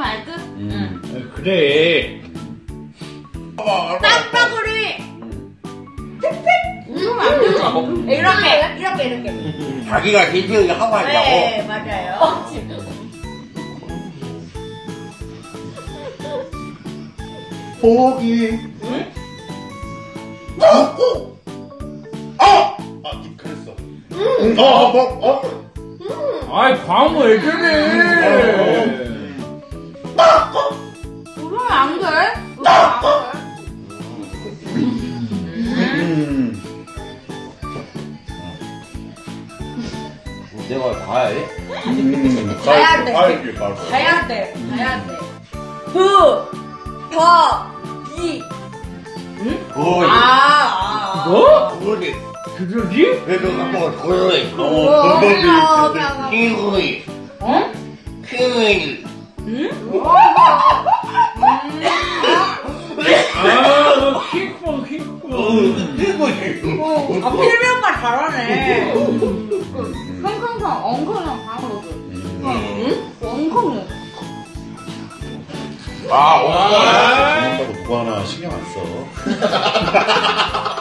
먹으면 알 듯? 응. 그래. 땀방울이 팩팩 누르면 안 되죠? 이렇게. 자기가 디테일을 하고 하려고. 네, 맞아요. 포기. 응? 입 그랬어. 아이, 광고 왜 그래? 누르면 안 돼? 내가 가야 해? 가야 돼. 가야지. 가야 돼. 부, 더, 기. 응? 거의. 뭐? 거의. 그러지? 그래도 한번 거의. 킹거이. 어? 킹거이. 응? 아, 킹콩. 킹거이. 아, 필미 오빠 잘하네. 킁킁킁, 엉컹형 방으로 줘. 응? 엉컹형. 아, 오빠. 그거 하나 신경 안 써.